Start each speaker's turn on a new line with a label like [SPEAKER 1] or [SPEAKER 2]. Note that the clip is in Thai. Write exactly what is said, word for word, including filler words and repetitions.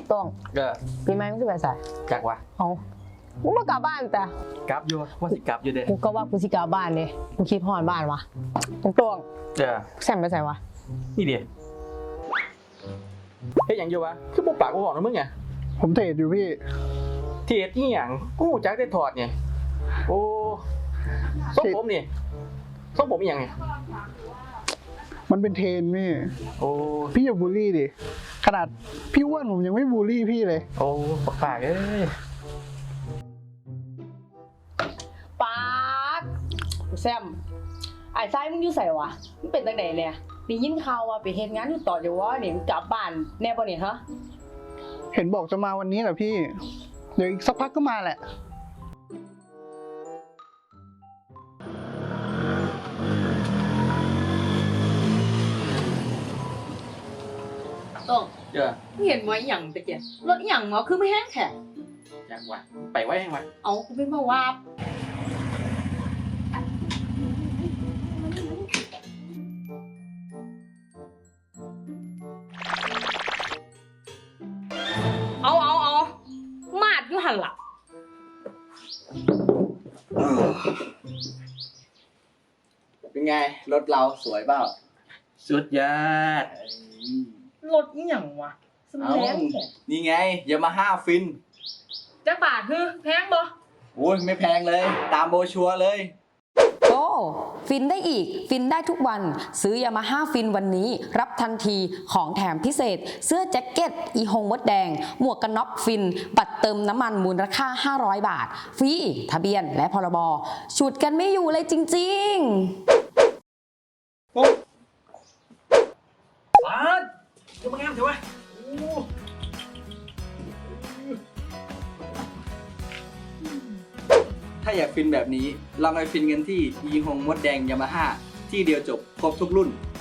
[SPEAKER 1] ต้อง
[SPEAKER 2] เออ
[SPEAKER 1] ปีใหม่มึงจะไปใส่
[SPEAKER 2] จักวะ
[SPEAKER 1] เอามึงมากลับบ้านแต่
[SPEAKER 2] กลับอยู่ว่าสิกลับอยู่เด้
[SPEAKER 1] กูก็ว่ากูสิกลับบ้านเนี่ยกูคิดฮอดบ้านวะตรง
[SPEAKER 2] เออ
[SPEAKER 1] ๆแซมไปใส่วะ
[SPEAKER 2] นี่ดิเฮ้ยอย่างอยู่วะคือปุ๊บปากกูบอกนะมึงไง
[SPEAKER 3] ผมเทรดอยู่พี่
[SPEAKER 2] เทรดนี่อย่างกูจักได้ถอดเนี่ยโอ้ส้มผมนี่ส้มผมอย่างไง
[SPEAKER 3] มันเป็นเทรนพี่
[SPEAKER 2] โอ้
[SPEAKER 3] พี่อย่าบูลลี่ดิขนาดพี่อ้วนผมยังไม่บูลลี่พี่เลย
[SPEAKER 2] โอ้ปากเอ้ย
[SPEAKER 1] ปากแซมไอ้ไส้มึงอยู่ใส่วะมึงเป็นตั้งไหนเนี่ยได้ยินข่าวว่าไปเฮ็ดงานอยู่ต่ออยู่วะเนี่ยมึงกลับบ้านแน่ป่ะเนี่ยฮะ
[SPEAKER 3] เห็นบอกจะมาวันนี้เหรอพี่เดี๋ยวอีกสักพักก็มาแหละ
[SPEAKER 1] ต้อง
[SPEAKER 2] เจอ
[SPEAKER 1] เห็นไว้อย่างตะเกียบรถอย่างเนาะคือไม่แห้งแข็ง
[SPEAKER 2] อย่างวะไปไว้ยังวะ
[SPEAKER 1] เอากูเป็นมาว่าเอาเอาเอามาดอยู่หันหลัง
[SPEAKER 4] เป็นไงรถเราสวยเปล่า
[SPEAKER 2] สุดยอด
[SPEAKER 1] รถนี่อย่างวะสมแรง
[SPEAKER 4] นี่ไงยามาฮ่าฟิน
[SPEAKER 1] จักบาทคือแพงบ่
[SPEAKER 4] โอ้ยไม่แพงเลยตามโบชัวร์เลย
[SPEAKER 5] โอ้ฟินได้อีกฟินได้ทุกวันซื้อยามาฮ่าฟินวันนี้รับทันทีของแถมพิเศษเสื้อแจ็คเก็ตอีหงมดแดงหมวกกันน็อกฟินบัตรเติมน้ำมันมูลค่าห้าร้อยบาทฟรีทะเบียนและพรบฉุดกันไม่อยู่เลยจริงๆ
[SPEAKER 2] ปุ๊บปาดจะมางามเถอะวะ
[SPEAKER 4] ถ้าอยากฟินแบบนี้ลองไปฟินกันที่ยีฮงมดแดงยามาฮ่าที่เดียวจบครบทุกรุ่น